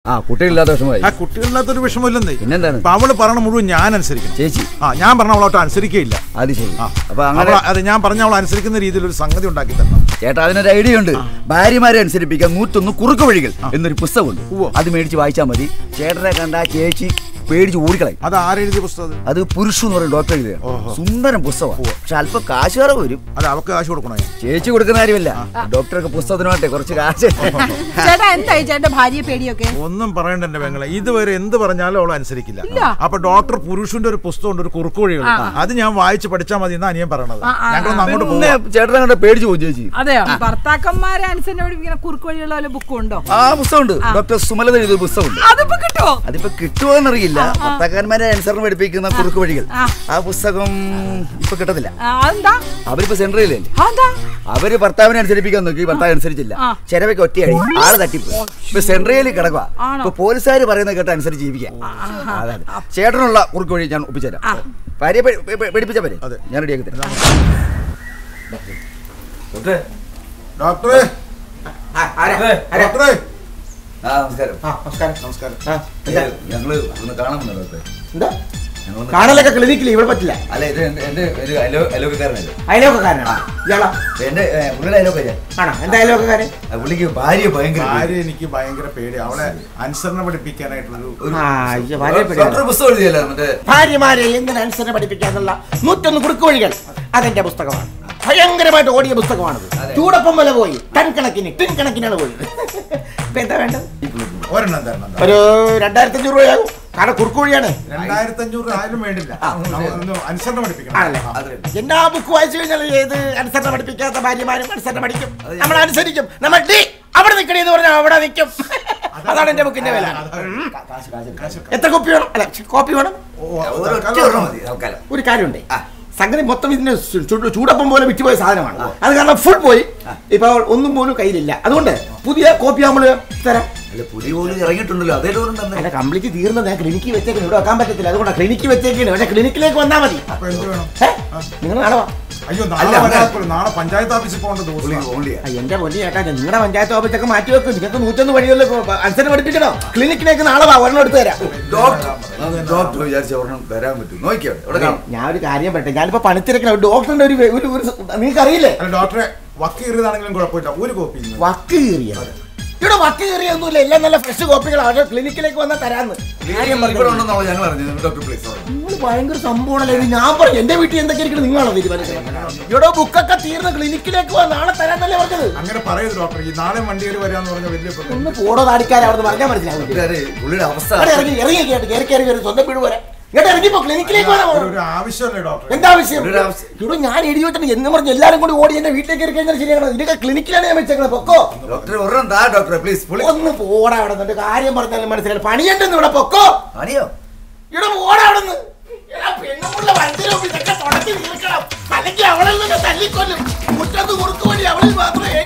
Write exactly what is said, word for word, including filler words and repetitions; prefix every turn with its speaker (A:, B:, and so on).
A: ആ കുട്ടികളില്ലാത്ത വിഷമമായി.
B: ആ കുട്ടികളില്ലാത്തൊരു വിഷമമില്ലെന്നേ.
A: പിന്നെന്താണ്?
B: അപ്പൊ അവള് പറഞ്ഞ മുഴുവൻ ഞാൻ അനുസരിക്കണം.
A: ചേച്ചി
B: ആ ഞാൻ പറഞ്ഞ അവളോട്ട് അനുസരിക്കുകയില്ല.
A: അത് ശരി.
B: അപ്പൊ അങ്ങനെ അത് ഞാൻ പറഞ്ഞ അവൾ അനുസരിക്കുന്ന രീതിയിൽ ഒരു സംഗതി ഉണ്ടാക്കി തരണം
A: ചേട്ടാ. അതിനൊരു ഐഡിയ ഉണ്ട്. ഭാര്യമാരെ അനുസരിപ്പിക്കാൻ നൂറ്റൊന്ന് കുറുക്ക് വഴികൾ എന്നൊരു പുസ്തകമുണ്ട്. അത് മേടിച്ച് വായിച്ചാൽ മതി. ചേട്ടനെ കണ്ട ചേച്ചി പേടിച്ച് ഓടിക്കളയും.
B: അത് ആരെഴുതിയ പുസ്തകം?
A: അത് പുരുഷു എന്ന് പറയും ഡോക്ടർ എഴുതിയ സുന്ദരം പുസ്തകമാണ്. പക്ഷെ അല്പം കാശ് കുറവ് വരും.
B: അത് അവർക്ക് കാശ് കൊടുക്കണോ?
A: ചേച്ചി കൊടുക്കുന്ന കാര്യമല്ല, ഡോക്ടർക്ക് പുസ്തകത്തിനോട്ടെ കുറച്ച് കാശ്.
B: ഒന്നും പറയണ്ട എന്റെ പെങ്ങളെ. ഇതുവരെ എന്ത് പറഞ്ഞാലും അവൾ അനുസരിക്കില്ല. അപ്പൊ ഡോക്ടർ പുരുഷന്റെ ഒരു പുസ്തകമുണ്ട്, ഒരു കുറുക്ക് വഴികൾ. അത് ഞാൻ വായിച്ച് പഠിച്ചാൽ മതി എന്നാ ഞാൻ പറയണത്. ഞങ്ങളൊന്ന് അങ്ങോട്ട് പോകും.
A: ചേട്ടനെ കണ്ട പേടിച്ച് പോകും ചേച്ചി.
C: അതെയോ? ഭർത്താക്കന്മാരെ അനുസരിച്ച് കുറുക്ക് വഴിയുള്ള ബുക്കും ഉണ്ടോ?
A: ആ പുസ്തകമുണ്ട്. ഡോക്ടർ സുമലത എഴുതിയ പുസ്തകമുണ്ട്.
C: അതിപ്പോ കിട്ടുമോ?
A: അതിപ്പോ കിട്ടുമോ എന്നറിയില്ല. ഭർത്താക്കന്മാരെ അനുസരണം പഠിപ്പിക്കുന്ന കുറുക്ക് വഴികൾ. ആ പുസ്തകം ഇപ്പൊ കിട്ടത്തില്ല. അവരിപ്പോ സെൻട്രലല്ലേ. അവര് ഭർത്താവിനെ അനുസരിപ്പിക്കാൻ നോക്കി, ഭർത്താവ് അനുസരിച്ചില്ല. ചെലവയ്ക്ക് ഒറ്റയായി ആള് തട്ടിപ്പോയി. ഇപ്പൊ സെൻട്രലിൽ കിടക്കുക. ഇപ്പൊ പോലീസുകാർ പറയുന്നത് കേട്ട അനുസരിച്ച് ജീവിക്കാം. അതാണ് ചേട്ടനുള്ള കുറുക്ക് വഴി ഞാൻ ഒപ്പിച്ചുതരാം. ഭാര്യയെ പഠിപ്പിച്ച പോലെ ഞാൻ റെഡിയാക്കി തരാം.
B: ഡോക്ടറെ ഡോക്ടറെ
A: നമസ്കാരം.
B: നമസ്കാരം.
A: ഞങ്ങള് ഒന്ന് കാണാമെന്നോ ഡോക്ടറെ?
D: എന്താ കാണലൊക്കെ ക്ലിനിക്കിൽ ഇവിടെ പറ്റില്ല.
A: അല്ല, ഇത് എന്റെ ഒരു അയലോക്കാരനല്ലേ.
D: അയലോക്കാരനാ ഇയാളാ?
A: എന്റെ പുള്ളിയുടെ അയലോക്കാരൻ
D: ആണോ? എന്താ അയലോക്കാരൻ?
A: പുള്ളിക്ക് ഭാര്യ ഭയങ്കര
B: ഭാര്യ എനിക്ക് ഭയങ്കര പേടി. അവളെ അനുസരണം പഠിപ്പിക്കാനായിട്ടുള്ളൊരു
A: പുസ്തകം എഴുതിയല്ലോ. മറ്റേ
D: ഭാര്യമാരെ എങ്ങനെ അനുസരണം പഠിപ്പിക്കാന്നുള്ള നൂറ്റൊന്ന് കുറുക്ക് വഴികൾ. അതെന്റെ പുസ്തകമാണ്. ഭയങ്കരമായിട്ട് ഓടിയ പുസ്തകമാണത്. ചൂടപ്പം വില പോയി. ടൺ കണക്കിന് ടിൻ കണക്കിനാണ് പോയത്. ഇപ്പൊ എന്താ വേണ്ടത്?
B: ഒരെണ്ണം തരണം.
D: ഒരു രണ്ടായിരത്തി അഞ്ഞൂറ് രൂപയാകും. കാരണം കുറുക്ക് വഴിയാണ്.
B: രണ്ടായിരത്തി അഞ്ഞൂറ് ആയാലും വേണ്ടില്ല. അനുസരണം പഠിപ്പിക്കണം.
D: എന്നാ ബുക്ക് വായിച്ചു കഴിഞ്ഞാൽ ഏത് അനുസരണം പഠിപ്പിക്കാത്ത ഭാര്യമാരും അനുസരണം പഠിക്കും. നമ്മൾ അനുസരിക്കും. നമ്മൾ ഡി അവിടെ നിൽക്കണേന്ന് പറഞ്ഞാൽ അവിടെ നിൽക്കും. അതാണ് എന്റെ ബുക്കിന്റെ വില. എത്ര കോപ്പി വേണം? അല്ല കോപ്പി വേണം. ഒരു കാര്യമുണ്ട്. സംഗതി മൊത്തം ഇതിന് ചൂടപ്പം പോലെ വിറ്റുപോയ സാധനമാണ്. അത് കാരണം ഫുൾ പോയി. ഇപ്പൊ ഒന്നും പോലും കയ്യിലില്ല. അതുകൊണ്ട് പുതിയ കോപ്പി നമ്മൾ തരാം.
A: ഇറങ്ങിയിട്ടുണ്ടല്ലോ. അതേ
D: അല്ല, കംപ്ലീറ്റ് തീർന്നത് ഞാൻ ക്ലിനിക്കിൽ വെച്ചേക്കുന്നു. ഇവിടെ വെക്കാൻ പറ്റത്തില്ല. അതുകൊണ്ട് ക്ലിനിക്കിൽ വെച്ചേക്കാണ്. പക്ഷെ ക്ലിനിക്കിലേക്ക് വന്നാൽ മതി. നിങ്ങൾ നാളെ വാ.
B: അയ്യോ നാളെ പഞ്ചായത്ത് ഓഫീസിൽ പോകേണ്ട.
D: എന്റെ പൊന്നി ചേട്ടാ, നിങ്ങളുടെ പഞ്ചായത്ത് ഓഫീസൊക്കെ മാറ്റി വെക്കും. നിങ്ങൾക്ക് നൂറ്റൊന്ന് വഴികളിൽ അനുസരണം പഠിപ്പിക്കണോ? ക്ലിനിക്കിലേക്ക് നാളെ വാ, ഒരെണ്ണം എടുത്തു തരാം. ഞാൻ ഒരു കാര്യം പറയട്ടെ. ഞാനിപ്പോ പണിത്തിരക്കണം. ഡോക്ടറിന്റെ ഒരു നിങ്ങൾക്ക് അറിയില്ലേ?
B: ഡോക്ടറെ വക്ക് കീറിയതാണെങ്കിലും കുഴപ്പമില്ല. ഒരു കോപ്പി
D: വക്ക് കീറിയത് ഇവിടെ വക്ക് കയറിയൊന്നുമില്ല. എല്ലാം നല്ല ഫ്രഷ് കോപ്പികളാണ്. ക്ലിനിക്കിലേക്ക് വന്നാൽ തരാന്ന്. നിങ്ങൾ ഭയങ്കര സംഭവമാണല്ലേ. ഞാൻ പറഞ്ഞു എന്റെ വീട്ടിൽ എന്തൊക്കെ ഇരിക്കണം നിങ്ങളാണോ തീരുമാനിക്കുന്നത്? ഇവിടെ ബുക്കൊക്കെ തീർന്ന് ക്ലിനിക്കിലേക്ക് പോവാ നാളെ തരാന്നല്ലേ പറഞ്ഞത്.
B: അങ്ങനെ പറയരുത് ഡോക്ടർ. ഈ നാളെ വണ്ടിയിൽ വരാന്ന് പറഞ്ഞ വലിയ
D: ഒന്ന് പോടോ താടിക്കാരെ അവിടെ പറഞ്ഞാൽ മനസ്സിലാവും. ഇറങ്ങി ഇറങ്ങി കേട്ട് കയറി കയറി കയറി സ്വന്തം വീട് പോലെ ഇങ്ങോട്ട് ഇറങ്ങിപ്പോ ക്ലിനിക്കിലേക്ക് എന്താവശ്യം? ഇവിടെ ഞാൻ എഴുതി വെച്ചിട്ട് എന്ന് പറഞ്ഞ് എല്ലാരും കൂടി ഓടി എന്റെ വീട്ടിലേക്ക് കയറി കഴിഞ്ഞാൽ ശരിയാണ്. ഇതൊക്കെ ക്ലിനിക്കിലാണ് ഞാൻ വെച്ചേക്കുന്നത്. പൊക്കോ ഒന്ന് പോടാ അവിടെ നിന്ന്. കാര്യം പറഞ്ഞാലും മനസ്സിലായി. പണിയുണ്ടെന്ന് ഇവിടെ പൊക്കോ. ഇവിടെ പോടാ അവിടെ നിന്ന്. അല്ലെങ്കിൽ അവളിൽ നിന്ന് തല്ലിക്കൊല്ലും. മുറ്റത്ത് കുറുക്ക് വഴി അവളിൽ മാത്രമേ